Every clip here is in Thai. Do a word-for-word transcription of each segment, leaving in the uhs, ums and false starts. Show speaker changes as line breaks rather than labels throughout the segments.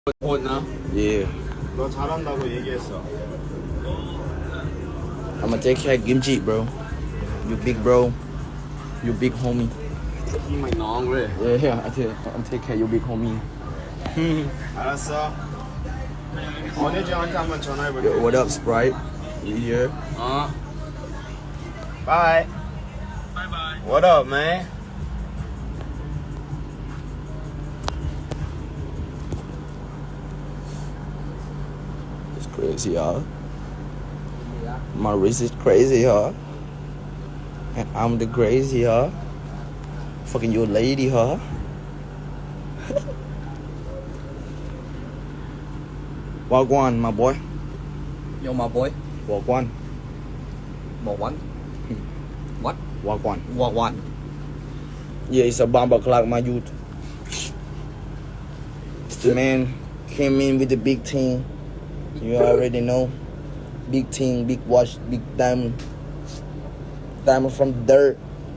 오나?
Yeah.
너 잘한다고 얘기했어.
I'ma take care of Kimchi, bro. You big bro. You big homie.
이 myน้องเว้ย
Yeah, yeah. I take, I'm take care of you big homie.
알았어. 언니한테 한번 전화해볼게.
Yo, what up, Sprite? You here?
어. Bye. Bye bye. What up, man?
It's crazy, huh? My wrist is crazy, huh? And I'm the crazy, huh? Fucking your lady, huh? Wagwan, my boy.
Yo, my boy.
Wagwan.
Walk one. What?
Wagwan.
Walk one.
Yeah, it's a bomber clock, my youth. The man came in with the big team. You already know. Big team, big watch, big diamond. Diamond from the dirt.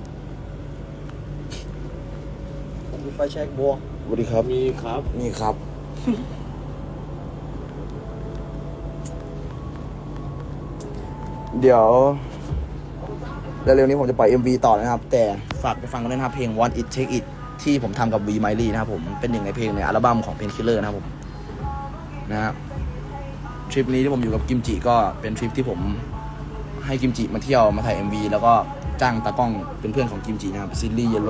มีไฟแช็กบัว
สวัสดีครับ
มีครับ
นี่ครับ เดี๋ยวเร็วๆนี้ผมจะปล่อย เอ็ม วี ต่อนะครับ แต่ฝากไปฟังกันด้วยนะครับเพลง Want It Take It ที่ผมทำกับ V Miley นะครับผมเป็นหนึ่งในเพลงในอัลบั้มของ Painkiller นะครับผมนะครับทริปนี้ที่ผมอยู่กับกิมจิก็เป็นทริปที่ผมให้กิมจิมาเที่ยวมาถ่าย เอ็ม วี แล้วก็จ้างตากล้องเป็นเพื่อนของกิมจินะครับซิลลี่เยลโล่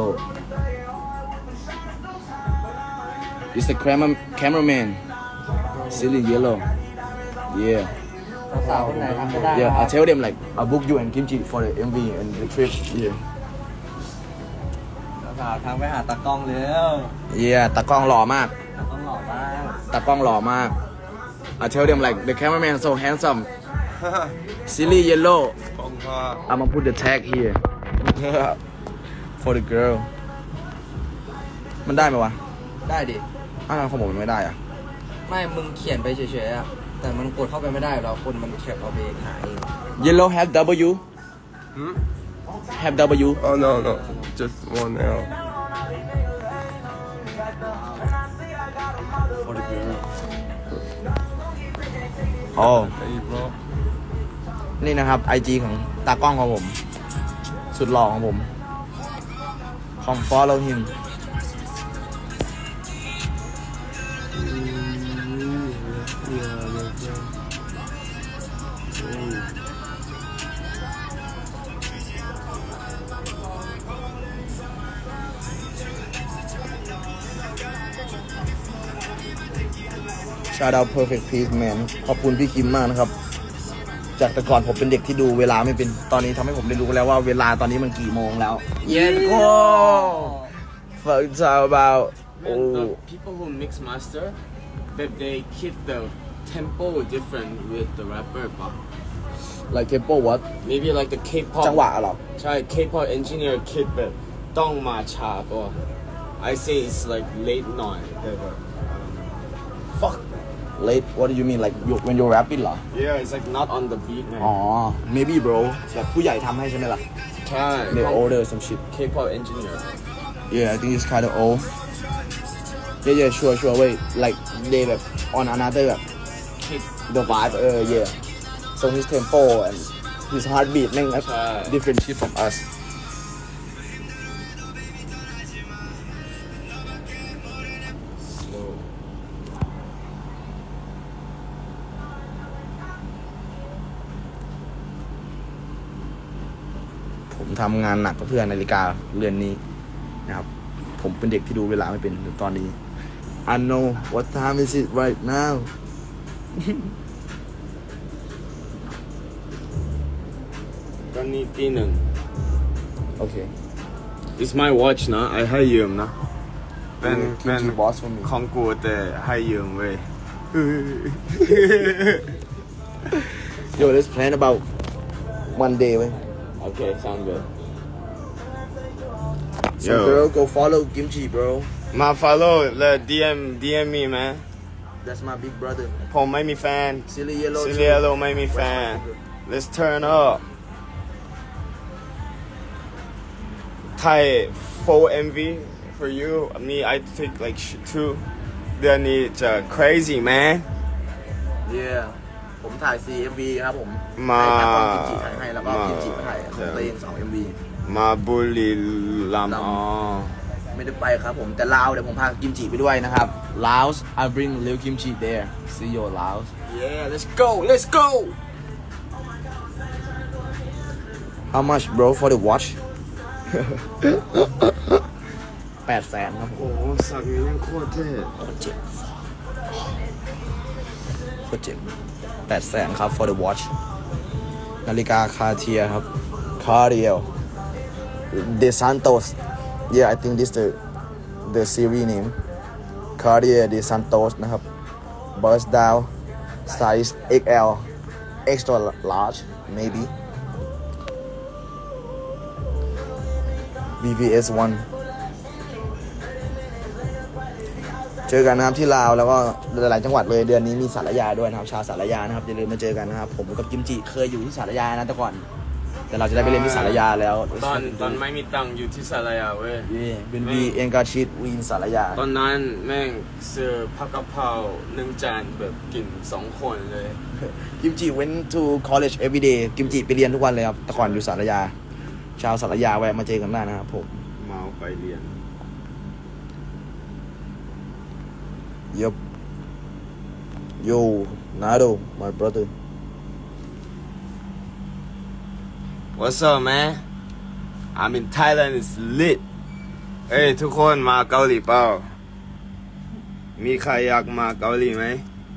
It's the camera cameraman Silly Yellow yeah
สาวคนไหนทำไม่ได้
yeah I tell them like I book you and Kimchi for the เอ็ม วี and the trip yeah
สาวทางไปหาตากล้องเร็ว
yeah ตากล้องหล่อมาก
ตากล้องหล่อมาก
ตากล้องหล่อมาก I tell them like the cameraman so handsome Silly Yellow
ของพ่อ
I'ma put the tag here for the girl มันได้ไหมวะ
ได้ดิ
อ้าวของผมมันไม่ได้อะ
ไม่ มึงเขียนไปเฉยๆอะแต่มันกดเข้าไปไม่ได้หรอกคนมันแคปเอาไปหาเอง
Yellow have W
Hmm?
have W
Oh no no, just one L.
for the girl oh
Hey bro.
นี่นะครับ ไอ จี ของตากล้องของผม สุดหล่อของผม Come follow him Shout out Perfect Peace Man ขอบคุณพี่คิมมากนะครับ จากแต่ก่อนผมเป็นเด็กที่ดูเวลาไม่เป็น ตอนนี้ทำให้ผมได้รู้แล้วว่าเวลาตอนนี้มันกี่โมงแล้ว Yes go Fuck talk about
Man,
oh
the people who mix master, that they keep the tempo different with the rapper, but
like tempo what
maybe like the K-pop.
จังหวะเหรอ
ใช่ K-pop engineer keep it ต้องมาช้าตัว I say it's like late หน่อยแต่แบบ
Fuck late what do you mean like you, when you're rapping เหรอ
yeah it's like not on the beat ไง
อ๋อ maybe bro แบบผู้ใหญ่ทำให้ใช่ไหมล่ะ
ใช่
they're older some shit
K-pop engineer
Yeah, I think it's kind of old. Yeah, yeah, sure, sure. Wait, like they แบบ on another แบบ
keep
the vibe. เออ yeah. So his tempo and his heartbeat แม่ง
ใช่
different shit from us.
slow
ผมทำงานหนักกับเพื่อนนาฬิกาเรือนนี้นะครับ ผมเป็นเด็กที่ดูเวลาไม่เป็นตอนนี้ I know what time is it right now
ตอนนี้ตีหนึ่ง
โอเค
It's my watch นะ I ให้ยืมนะ เป็นเป็น
Kimchi boss for me
ของกูแต่ให้ยืมเว้ย
Yo let's plan about one day เว้ย
Okay sound good
So
Yo.
girl go follow Kimchi bro
มา follow และ ดี เอ็ม ดี เอ็ม me man
That's my big brother
ผมไม่มีแฟน
Silly Yellow
ซิเลียโลไม่มีแฟน Let's turn up Thai full เอ็ม วี for you me I take like sh- two เดือนนี้จะ crazy man
yeah ผมถ่าย ซี เอ็ม วี ครับผม
มา
ให้ตากล้องกิมจิถ่ายให้แล้วก็
มา
กิมจิมาถ่ายของตัวเองสอง เอ็ม วี
มาบุรีรัมย์
ลำ
อ๋อ
ไม่ได้ไปครับผมแต่ลาวเดี๋ยวผมพากิมจิไปด้วยนะครับ Laos I bring real kimchi there see you Laos
yeah let's go let's go
how much bro for the watch แปดแสนครับผม
โอ้โหสักนี้ยังโคตรเท่
โคตรเจ็บโคตรเจ็บแปดแสนครับ for the watch นาฬิกาคาเทียครับ Cartier De Santos yeah I think this the the series name Cartier De Santos นะครับ Burst down size เอ็กซ์ แอล extra large maybe บี วี เอส one เจอกันนะครับที่ลาวแล้วก็หลายๆจังหวัดเลยเดือนนี้มีสารยาด้วยนะครับชาวสารยานะครับอย่าลืมมาเจอกันนะครับผมกับกิมจิเคยอยู่ที่สารยานะแต่ก่อนแต่เราจะได้ไปเรียนที่สารยาแล้ว
ตอนตอนไม่มีตังค์อยู่ที่สารยาเว้ย
เป็นวีเอ็นกาชิดวีนสารยา
ตอนนั้นแม่งซื้อผักกะเพราหนึ่งจานแบบกินสองคนเลย
กิมจิ went to college every day กิมจิไปเรียนทุกวันเลยครับแต่ก่อนอยู่สารยาชาวสารยาแวะมาเจอกันได้นะครับผม
เมาไปเรียน
Yup Yo Nado my brother
What's up man I'm in Thailand it's lit เอ้ยทุกคนมาเกาหลีเปล่ามีใครอยากมาเกาหลีไหม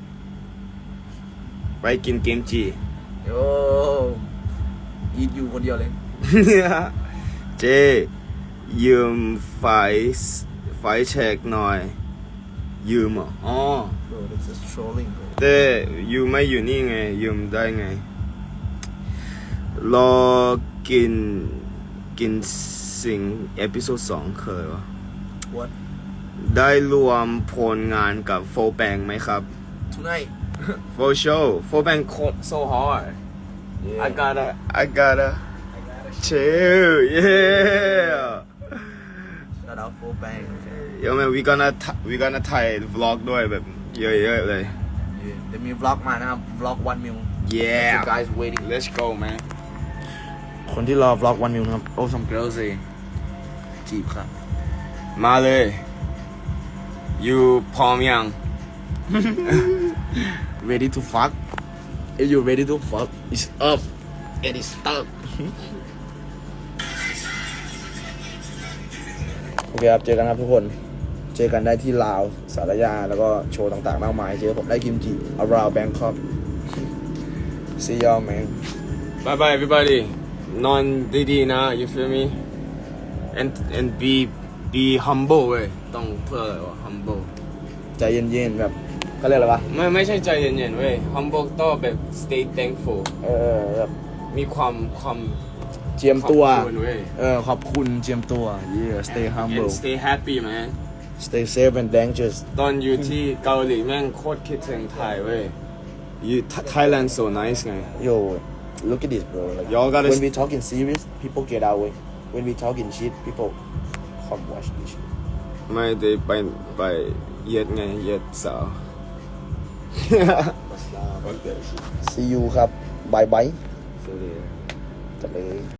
ไปกินกิมจิ
โอ้อีทอยู่คนเดียวเลย
เจยืมไฟไฟเช็คหน่อยยืมเหรออ๋อ
Bro this is trolling bro
แต่ยูไม่อยู่นี่ไงยืมได้ไงรอกินกินสิ่งเอพิโซดสองเคยวะ
What
ได้รวมผลงานกับโฟแบงไหมครับ
tonight
For sureโฟแบงโคตร so hard I gotta I gotta chill yeah
shout out for bang okay
เดี๋ยวแม่ we gonna t- we gonna ถ่าย vlog ด้วยแบบเยอะๆเลย
yeah เดี๋ยวมี vlog มานะครับ vlog one mil
yeah
you guys waiting
let's go man
คนที่รอ vlog one mil นะครับ oh some girls say จีบครับ
มาเลยยูพร้อมยัง
ready to fuck if you ready to fuck it's up and it's stuck โอเคครับเจอกันครับทุกคนเจอกันได้ที่ลาวสารยาแล้วก็โชว์ต่างๆมากมายเจอผมได้กิมจิ around Bangkok see y'all man
bye bye everybody นอนดีๆนะ you feel me and and be be humble เว้ยต้องเพื่ออะไรวะ humble
ใจเย็นๆแบบเขาเรียกอะไรวะ
ไม่ไม่ใช่ใจเย็นๆเว้ย humble ต้องแบบ stay thankful
เออแบบ
มีความความ
เจียมตัว
ขอบคุณเว้ย
เออขอบคุณเจียมตัว yeah stay humble
and stay happy man
stay safe and dangerous
ตอนอยู่ที่เกาหลีแม่งโคตรคิดถึงไทยเว้ย you Thailand so nice ไง
yo look at this bro like
Y'all gotta
when we talking serious people get out way when we talking shit people come watch this shit
ไม่ได้ไปไปเย็ดไงเย็ดสาว
see you ครับ bye bye
สวัสดี
จัดเลย